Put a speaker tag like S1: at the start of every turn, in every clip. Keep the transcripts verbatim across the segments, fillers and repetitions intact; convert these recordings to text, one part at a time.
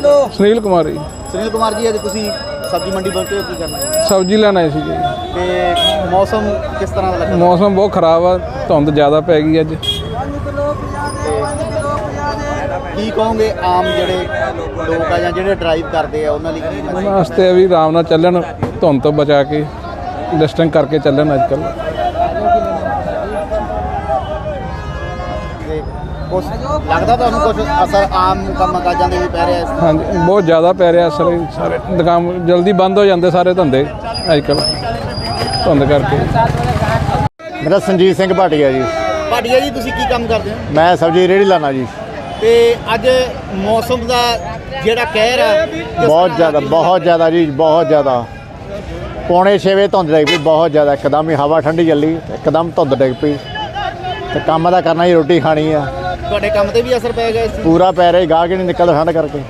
S1: ਸੁਨੀਲ ਕੁਮਾਰ ਜੀ।
S2: ਸੁਨੀਲ ਕੁਮਾਰ ਜੀ, ਅੱਜ ਤੁਸੀਂ ਸਬਜ਼ੀ ਮੰਡੀ ਪਹੁੰਚੇ ਹੋ, ਕੀ ਕਰਨਾ ਹੈ?
S1: ਸਬਜ਼ੀ ਲੈਣ ਆਏ ਸੀ ਜੀ।
S2: ਤੇ ਮੌਸਮ ਕਿਸ ਤਰ੍ਹਾਂ ਦਾ ਲੱਗਾ?
S1: ਮੌਸਮ ਬਹੁਤ ਖਰਾਬ ਆ, ਧੁੰਦ ਜ਼ਿਆਦਾ ਪੈ ਗਈ ਅੱਜ।
S2: ਕੀ ਕਹੋਗੇ ਆਮ ਜਿਹੜੇ ਲੋਕ ਆ ਜਾਂ ਜਿਹੜੇ ਡਰਾਈਵ ਕਰਦੇ ਆ ਉਹਨਾਂ ਲਈ ਕੀ
S1: ਉਹਨਾਂ ਵਾਸਤੇ ਵੀ ਆਰਾਮ ਨਾਲ ਚੱਲਣ, ਧੁੰਦ ਤੋਂ ਬਚਾ ਕੇ ਡਿਸਟੈਂਸ ਕਰਕੇ ਚੱਲਣ ਅੱਜ ਕੱਲ੍ਹ।
S2: ਕੁਛ ਲੱਗਦਾ ਤੁਹਾਨੂੰ ਕੁਛ ਅਸਰ ਆਮ ਕੰਮ ਕਾਜਾਂ ਦੇ ਵੀ ਪੈ ਰਿਹਾ?
S1: ਹਾਂਜੀ, ਬਹੁਤ ਜ਼ਿਆਦਾ ਪੈ ਰਿਹਾ ਅਸਰ। ਸਾਰੇ ਦੁਕਾਨ ਜਲਦੀ ਬੰਦ ਹੋ ਜਾਂਦੇ, ਸਾਰੇ ਧੰਦੇ ਅੱਜ ਕੱਲ੍ਹ ਧੁੰਦ ਕਰਕੇ।
S3: ਮੇਰਾ ਸੰਜੀਤ ਸਿੰਘ ਭਾਟੀਆ ਜੀ।
S2: ਭਾਟੀਆ ਜੀ, ਤੁਸੀਂ ਕੀ ਕੰਮ ਕਰਦੇ ਹੋ?
S3: ਮੈਂ ਸਬਜ਼ੀ ਰੇਹੜੀ ਲਾਣਾ ਜੀ।
S2: ਤੇ ਅੱਜ ਮੌਸਮ ਦਾ ਜਿਹੜਾ ਕਹਿਰ ਆ
S3: ਬਹੁਤ ਜ਼ਿਆਦਾ ਬਹੁਤ ਜ਼ਿਆਦਾ ਜੀ, ਬਹੁਤ ਜ਼ਿਆਦਾ। ਪੌਣੇ ਛੇ ਵਜੇ ਧੁੰਦ ਡਿੱਗ ਪਈ, ਬਹੁਤ ਜ਼ਿਆਦਾ। ਇੱਕਦਮ ਹੀ ਹਵਾ ਠੰਡੀ ਚੱਲੀ, ਇੱਕਦਮ ਧੁੰਦ ਡਿੱਗ ਪਈ। ਤੇ ਕੰਮ ਦਾ ਕਰਨਾ ਜੀ, ਰੋਟੀ ਖਾਣੀ ਆ।
S2: ਤੁਹਾਡੇ ਕੰਮ ਤੇ ਵੀ ਅਸਰ ਪੈ ਗਿਆ ਇਸ ਚੀਜ਼?
S3: ਪੂਰਾ ਪੈ ਰਿਹਾ, ਗਾਹਕ ਨਹੀਂ ਨਿਕਲਦਾ ਠੰਡ ਕਰਕੇ।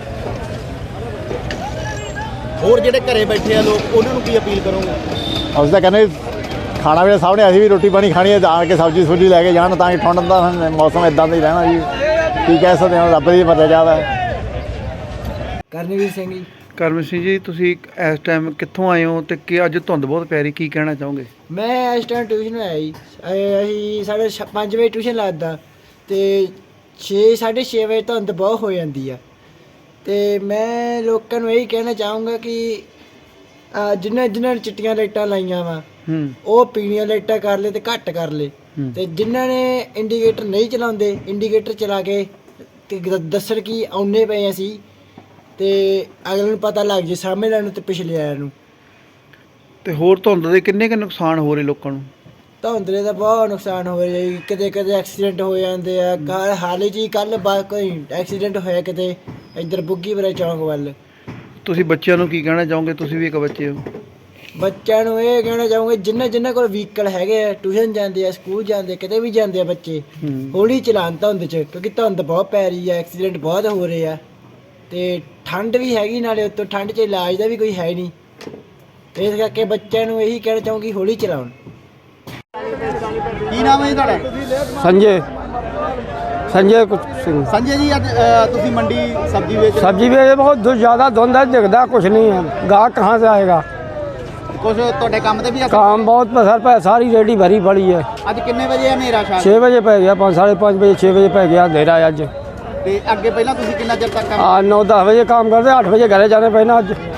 S2: ਹੋਰ ਜਿਹੜੇ ਘਰੇ ਬੈਠੇ ਆ ਲੋਕ, ਉਹਨਾਂ ਨੂੰ ਕੀ ਅਪੀਲ ਕਰੋਗੇ?
S3: ਅਸੀਂ ਤਾਂ ਕਹਿੰਦੇ ਖਾਣਾ ਵੀ ਸਾਹਮਣੇ, ਅਸੀਂ ਵੀ ਰੋਟੀ ਪਾਣੀ ਖਾਣੀ ਹੈ, ਆ ਕੇ ਸਬਜ਼ੀ ਸੁਬਜ਼ੀ ਲੈ ਕੇ ਜਾਣ, ਤਾਂ ਕਿ ਠੰਡ ਦਾ ਮੌਸਮ ਇੱਦਾਂ ਦਾ ਹੀ ਰਹਿਣਾ ਜੀ। ਕੀ ਕਹਿ ਸਕਦੇ ਹਾਂ, ਰੱਬ ਦੀ ਮਰਜ਼ੀ ਜਾਵਾ।
S4: ਕਰਨਵੀਰ ਸਿੰਘ ਜੀ।
S5: ਕਰਮ ਸਿੰਘ ਜੀ, ਤੁਸੀਂ ਇਸ ਟਾਈਮ ਕਿੱਥੋਂ ਆਏ ਹੋ ਤੇ ਕਿ ਅੱਜ ਧੁੰਦ ਬਹੁਤ ਪੈ ਰਹੀ, ਕੀ ਕਹਿਣਾ ਚਾਹੋਗੇ?
S4: ਮੈਂ ਇਸ ਟਾਈਮ ਟਿਊਸ਼ਨ ਆਇਆ ਜੀ। ਅ- ਅਸੀਂ ਸਾਡੇ ਛ- ਪੰਜ ਵਜੇ ਟਿਊਸ਼ਨ ਲੱਗਦਾ ਅਤੇ ਛੇ ਸਾਢੇ ਛੇ ਵਜੇ ਧੁੰਦ ਬਹੁਤ ਹੋ ਜਾਂਦੀ ਆ। ਅਤੇ ਮੈਂ ਲੋਕਾਂ ਨੂੰ ਇਹੀ ਕਹਿਣਾ ਚਾਹੂੰਗਾ ਕਿ ਅ, ਜਿਨ੍ਹਾਂ ਜਿਨ੍ਹਾਂ ਨੇ ਚਿੱਟੀਆਂ ਲਾਈਟਾਂ ਲਾਈਆਂ ਵਾ
S5: ਹੂੰ
S4: ਉਹ ਪੀਲੀਆਂ ਲਾਈਟਾਂ ਕਰ ਲਏ ਅਤੇ ਘੱਟ ਕਰ ਲਏ। ਅਤੇ ਜਿਨ੍ਹਾਂ ਨੇ ਇੰਡੀਕੇਟਰ ਨਹੀਂ ਚਲਾਉਂਦੇ, ਇੰਡੀਕੇਟਰ ਚਲਾ ਕੇ ਤੇ ਦ- ਦੱਸਣ ਕਿ ਆਉਂਦੇ ਪਏ ਅਸੀਂ, ਅਤੇ ਅਗਲੇ ਨੂੰ ਪਤਾ ਲੱਗ ਜੇ, ਸਾਹਮਣੇ ਵਾਲਿਆਂ ਨੂੰ ਅਤੇ ਪਿਛਲੇ ਵਾਲਿਆਂ ਨੂੰ।
S5: ਤੇ ਹੋਰ ਧੁੰਦ ਦੇ ਕਿੰਨੇ ਕੁ ਨੁਕਸਾਨ ਹੋ ਰਹੇ ਲੋਕਾਂ ਨੂੰ?
S4: ਧੁੰਦਲੇ ਦਾ ਬਹੁਤ ਨੁਕਸਾਨ ਹੋ ਰਿਹਾ ਜੀ। ਕਿਤੇ ਕਿਤੇ ਐਕਸੀਡੈਂਟ ਹੋ ਜਾਂਦੇ ਆ। ਕੱਲ੍ਹ ਹਾਲੇ ਜੀ ਕੱਲ੍ਹ ਬਾ ਕੋਈ ਐਕਸੀਡੈਂਟ ਹੋਇਆ ਕਿਤੇ ਇੱਧਰ ਬੁੱਗੀਪੁਰਾ ਚੌਂਕ ਵੱਲ।
S5: ਤੁਸੀਂ ਬੱਚਿਆਂ ਨੂੰ ਕੀ ਕਹਿਣਾ ਚਾਹੋਗੇ? ਤੁਸੀਂ ਵੀ ਇੱਕ ਬੱਚੇ ਹੋ।
S4: ਬੱਚਿਆਂ ਨੂੰ ਇਹ ਕਹਿਣਾ ਚਾਹੂੰਗੇ, ਜਿਨ੍ਹਾਂ ਜਿਨ੍ਹਾਂ ਕੋਲ ਵਹੀਕਲ ਹੈਗੇ ਆ, ਟਿਊਸ਼ਨ ਜਾਂਦੇ ਆ, ਸਕੂਲ ਜਾਂਦੇ ਆ, ਕਿਤੇ ਵੀ ਜਾਂਦੇ ਆ ਬੱਚੇ, ਹੌਲੀ ਚਲਾਉਣ ਧੁੰਦ 'ਚ, ਕਿਉਂਕਿ ਧੁੰਦ ਬਹੁਤ ਪੈ ਰਹੀ ਆ, ਐਕਸੀਡੈਂਟ ਬਹੁਤ ਹੋ ਰਹੇ ਆ, ਅਤੇ ਠੰਡ ਵੀ ਹੈਗੀ, ਨਾਲੇ ਉੱਤੋਂ ਠੰਡ 'ਚ ਇਲਾਜ ਦਾ ਵੀ ਕੋਈ ਹੈ ਨਹੀਂ। ਇਸ ਕਰਕੇ ਬੱਚਿਆਂ ਨੂੰ ਇਹੀ ਕਹਿਣਾ ਚਾਹੂੰਗੀ, ਹੌਲੀ ਚਲਾਉਣ।
S2: ਕੀ ਨਾਮ ਹੈ ਜੀ ਤੁਹਾਡਾ?
S6: संजय संजय कुछ सिंह।
S2: ਸੰਜੇ ਜੀ, ਅੱਜ ਅ, ਤੁਸੀਂ ਮੰਡੀ ਸਬਜ਼ੀ ਵੇਚ ਰਹੇ
S6: सब्जी भी बहुत धु- ज़्यादा धुंध है, दिखता कुछ नहीं है। गाहक कहाँ से आएगा?
S2: ਹੋ? ਕੁਛ ਤੁਹਾਡੇ ਕੰਮ ਤੇ ਵੀ ਅਸਰ?
S6: काम बहुत पसर पे, सारी रेडी भरी पड़ी है।
S2: ਅੱਜ ਕਿੰਨੇ ਵਜੇ ਹਨੇਰਾ ਛਾ?
S6: छः बजे पै गया, पाँच साढ़े पाँच बजे छः बजे पै गया अंधेरा है अज।
S2: ਤੇ ਅੱਗੇ ਪਹਿਲਾਂ ਤੁਸੀਂ ਕਿੰਨਾ ਚਿਰ ਤੱਕ ਕੰਮ?
S6: आ नौ दस बजे काम करते, आठ बजे घरे जाने पैना अज।